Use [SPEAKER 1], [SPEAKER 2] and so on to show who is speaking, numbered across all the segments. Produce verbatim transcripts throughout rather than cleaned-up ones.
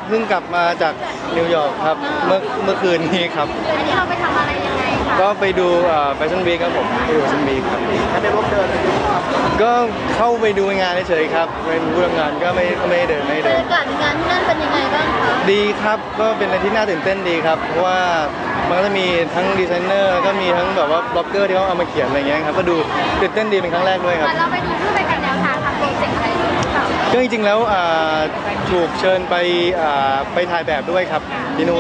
[SPEAKER 1] เพิ่งกลับมาจากนิวยอร์กครับเมื่อเมื่อคืนนี้ครับ
[SPEAKER 2] อันนี้เราไปทำอะไรยังไงคะ
[SPEAKER 1] ก็ไปดูแฟชั่นวีคครับผมไปดูแฟชั่นวีคครับ
[SPEAKER 2] ถ้าได้ร่วมเดิน
[SPEAKER 1] ก็เข้าไปดูงานเฉยๆครับเป็นผู้ทำงานก็ไม่ไม่เดินไม่เดินบรร
[SPEAKER 2] ยากาศงานที่นั่นเป็นยังไงบ้างคะ
[SPEAKER 1] ดีครับก็เป็นอะไรที่น่าตื่นเต้นดีครับเพราะว่ามันก็จะมีทั้งดีไซเนอร์ก็มีทั้งแบบว่าบล็อกเกอร์ที่เขาเอามาเขียนอะไรเงี้ยครับก็ดูตื่นเต้นดีเป็นครั้งแรกด้วยครับ
[SPEAKER 2] เราไปดูเพื่อไปกันแนวทางทำโปรเจกต์อะไรหรือเปล่า
[SPEAKER 1] ก็จริงๆแล้วถูกเชิญไปไปถ่ายแบบด้วยครับที่นู่น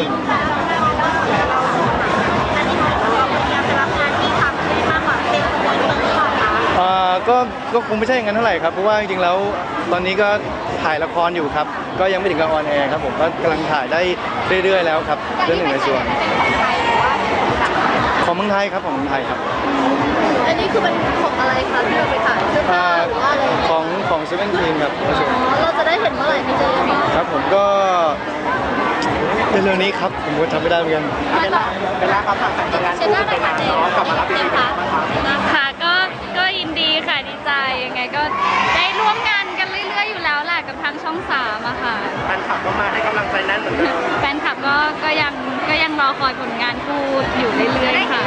[SPEAKER 1] ก็ก็คงไม่ใช่อย่างนั้นเท่าไหร่ครับเพราะว่าจริงๆแล้วตอนนี้ก็ถ่ายละครอยู่ครับก็ยังไม่ถึงกับออนแอร์ครับผมก็กำลังถ่ายได้เรื่อยๆแล้วครับเรื่องหนึ่งในส่วนของเมืองไทยครับของเมืองไทยครับ
[SPEAKER 2] อันนี้คือเป็นของอะไรคะที่เราไปถ่ายเสื้อผ้าหรือว่าอะไร
[SPEAKER 1] ของของเซเว่นทีนครับ
[SPEAKER 2] เราจะได้เห็นเมื่อไหร่พี่เจมส์
[SPEAKER 1] ครับผมก็เร็วๆนี้ครับผมก็ทำไม่ได้เหมือนกัน
[SPEAKER 2] เวลาเวลาเขาถ่ายงานคู่ไปงานน้องกลับมารับอีกค่ะ
[SPEAKER 3] ค่ะก็ก็ยินดีค่ะดีใจยังไงก็ได้ร่วมงานกันเรื่อยๆอยู่แล้วแหละกับทางช่องสามอะค่ะ
[SPEAKER 2] แฟนคลับก็มาให้กำลังใจแน่นเหมือนเดิม
[SPEAKER 3] แฟนคลับก็ก็ยังก็ยังรอคอยผลงานคู่อยู่เรื่อยๆค่ะ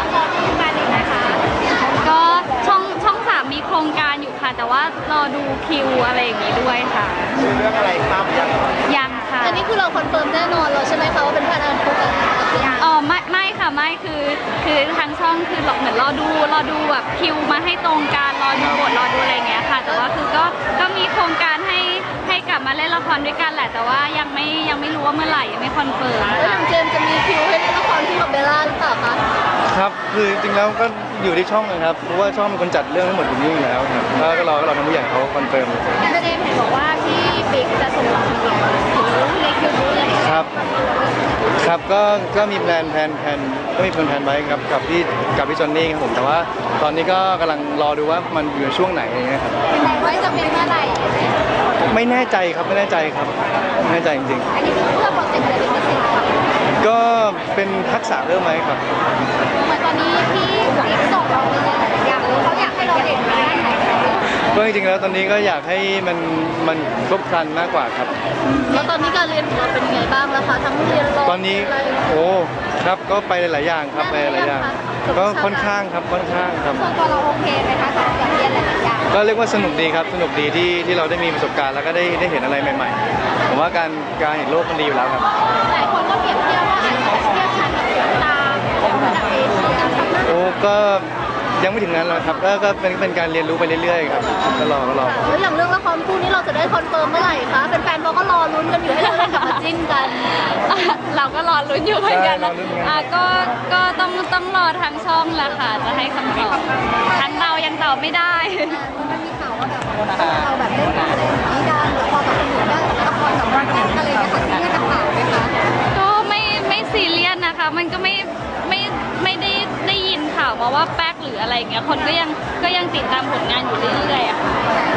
[SPEAKER 3] ก็ช่องช่องสามมีโครงการอยู่ค่ะแต่ว่ารอดูคิวอะไรอย่างนี้ด้วยค่ะ
[SPEAKER 2] เรื่องอะไรครับยัง
[SPEAKER 3] ยังค่ะ
[SPEAKER 2] อันนี้คือเราคอนเฟิร์มแน่นอนเราใช่ไหมคะว่าเป็นแฟนอันคู่กัน
[SPEAKER 3] อ๋อไม่ไม่ค่ะไม่คือคือทางช่องคือเหมือนรอดูรอดูแบบคิวมาให้ตรงกันรอดูบทรอดูอะไรเงี้ยค่ะแต่ว่าคือก็ก็มีโครงการให้ให้กลับมาเล่นละครด้วยกันแหละแต่ว่ายังไม่ยังไม่รู้ว่าเมื่อไหร่ยังไม่คอนเฟิร์ม
[SPEAKER 2] แล้วอย่างเจมจะมีคิวให้เล่นละครคู่กับเบลล่าหรือเปล่าคะ
[SPEAKER 1] ครับคือจริงๆแล้วก็อยู่ที่ช่องนะครับเพราะว่าช่องเป็นคนจัดเรื่องทั้งหมดอยู่นี่อยู่แล้วครับก็รอก็รอทางผู้ใหญ่เขาคอนเฟิร์ม
[SPEAKER 2] เจมเห็นบอกว่าพี่บิ๊กจะส่งหลังถึงในคิวรู้เลย
[SPEAKER 1] ครับครับก็ก็มีแพลนแพลนแพลนก็มีแพลนแพลนไว้ครับกับพี่กับพี่จอนนี่ครับผมแต่ว่าตอนนี้ก็กำลังรอดูว่ามันอยู่ช่วงไหนอย่างเงี้ยครับ
[SPEAKER 2] ไว้จะเป็นเมื่อไหร่
[SPEAKER 1] ไม่แน่ใจครับไม่แน่ใจครับไม่แน่ใจจริง
[SPEAKER 2] ๆอันนี้คือเพื่อโปรเจกต์อะไรเป็นพิเศษครับ
[SPEAKER 1] ก็เป็นทักษะเริ่มไหมครับ
[SPEAKER 2] เหมือนตอนนี้พี่บิ๊กส่งเราไปหลายอย่างเลยเขาอยากให้เราเด่นในด้านไหน
[SPEAKER 1] ก็จริงๆแล้วตอนนี้ก็อยากให้มันมันครบครันมากกว่าครับ
[SPEAKER 2] แล้วตอนนี้การเรียนของเราเป็นยังไงบ้างแล้วคะทั้งเรียนรอ
[SPEAKER 1] ตอนนี้โอ้ครับก็ไปหลายอย่างครับไปหลายอย่างก็ค่อนข้างครับค่อนข้างครับ
[SPEAKER 2] ส่วนตัวเราโอเคไหมคะสำหรับการเรียนหลายอย่าง
[SPEAKER 1] ก็เรียกว่าสนุกดีครับสนุกดีที่ที่เราได้มีประสบการณ์แล้วก็ได้ได้เห็นอะไรใหม่ๆผมว่าการการเห็นโลกมันดีอยู่แล้วครับ
[SPEAKER 2] หลายคนก็เปรียบเทียบว่าอาจจะเทียบชั้นกับสายตาของระดับเอเชีย
[SPEAKER 1] โอ้ก็ยังไม่ถึงนั้นหรอกครับก็ก็เป็นเป็นการเรียนรู้ไปเรื่อยๆครับก็รอก็รอ
[SPEAKER 2] แล้วอย่างเรื่องละครคู่นี้เราจะได้คอนเฟิร์มเมื่อไหร่คะแฟนๆเขาก็รอลุ้นกันอยู่ให้เราได้กลับมาจิ้นกัน
[SPEAKER 3] เราก็รอลุ้นอยู่เหมือนกันนะอ่ะก็ก็ต้องต้องรอทางช่องแหละค่ะจะให้คำตอบทางเรายังตอบไม่ได้
[SPEAKER 2] มันมีข่าวว่าแบบเราแบบเล่นอะไรอย่างนี้กันหรือพอแบบคนอื่นก็ละครแบบรักกันอะไรอย่างเงี้ยค่ะซีเรียสกับข่าวไหมคะ
[SPEAKER 3] ก็ไม่ไม่ซีเรียสนะคะมันก็ไม่ไม่ไม่ได้ได้ยินข่าวมาว่าแป๊กหรืออะไรเงี้ยคนก็ยังก็ยังติดตามผลงานอยู่เรื่อยๆอะค่ะ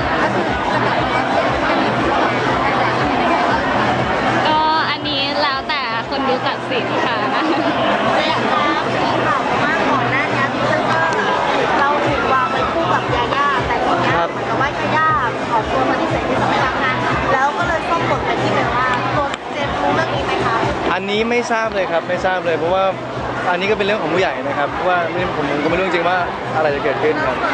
[SPEAKER 3] ก็อันนี้แล้วแต่คนดูตัดสินค่ะ
[SPEAKER 2] อยากจะมีข่าวมาก่อนหน้านี้ที่ก็เราถูกวางไว้คู่กับยาย่าแต่ทีนี้เหมือนกับว่ายาย่าออกตัวปฏิเสธที่จะไม่รับงานแล้วก็เลยส่งผลไปที่แบบว่าตัวเจมรู้เรื่องนี้ไหมคะ
[SPEAKER 1] อันนี้ไม่ทราบเลยครับไม่ทราบเลยเพราะว่าอันนี้ก็เป็นเรื่องของผู้ใหญ่นะครับว่าผมก็ไม่รู้จริงว่าอะไรจะเกิดขึ้นครับ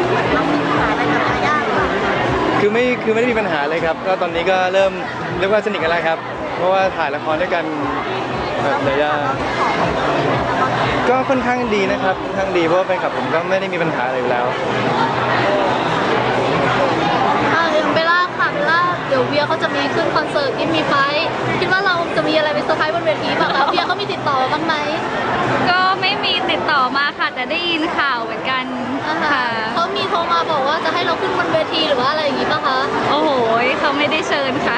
[SPEAKER 1] คือไม่คือไม่ได้มีปัญหาเลยครับก็ตอนนี้ก็เริ่มเรียกว่าสนิทกันแล้วครับเพราะว่าถ่ายละครด้วยกันแบบระยะก็ค่อนข้างดีนะครับค่อนข้างดีเพราะว่าแฟนคลับผมก็ไม่ได้มีปัญหาอะไรอยู่แล้ว
[SPEAKER 2] เบลล่าค่ะเบลล่าเดี๋ยวเวียเขาจะมีขึ้นคอนเสิร์ตที่มีไฟคิดว่าเราจะมีอะไรไปเซอร์ไพรส์บนเวทีป่ะคะเวียเขามีติดต่อบ้างไหม
[SPEAKER 3] ก็ไม่มีติดต่อมาค่ะแต่ได้ยินข่าวเหมือนกัน
[SPEAKER 2] ค่ะเขามีโทรมาบอกว่าจะให้เราขึ้นบนเวทีหรือว่าอะไรอย่างนี้ป่ะคะ
[SPEAKER 3] โอ้โหเขาไม่ได้เชิญค่ะ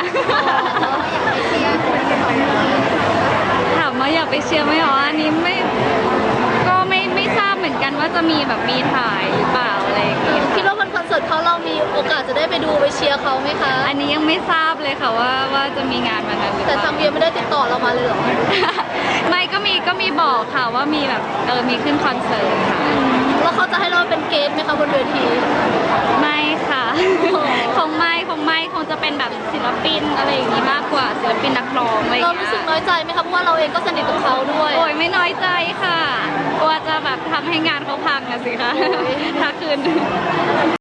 [SPEAKER 3] ถามว่าอยากไปเชียร์ไหมอ๋ออันนี้ไม่ก็ไม่ไม่ทราบเหมือนกันว่าจะมีแบบมีถ่ายหรือเปล่าอะไรอย่างงี้
[SPEAKER 2] คิดว่าบนคอนเสิร์ตเขาเรามีโอกาสจะได้ไปดูไปเชียร์เขาไหมคะ
[SPEAKER 3] อันนี้ยังไม่ทราบเลยค่ะว่าว่าจะมีงานวันนั้นหรือเปล่า
[SPEAKER 2] แต่ทางเวียไม่ได้ติดต่อเรามาเลยหรอ
[SPEAKER 3] ไม่ก็มีก็มีบอกค่ะว่ามีแบบเออมีขึ้นคอนเสิร์ตค่ะ
[SPEAKER 2] แล้วเขาจะให้เราเป็นเกสไหมคะบนเวที
[SPEAKER 3] ไม่ค่ะ คงไม่คงไม่คงจะเป็นแบบศิลปินอะไรอย่างนี้มากกว่าศิลปินนักร้องอะไรอย่าง
[SPEAKER 2] เรา
[SPEAKER 3] เงี้ย
[SPEAKER 2] รู้สึกน้อยใจไหมคะเพราะว่าเราเองก็สนิทกับเขาด้วย
[SPEAKER 3] โอ้ยไม่น้อยใจค่ะกลัวจะแบบทำให้งานเขาพังอะสิคะถ้าคืน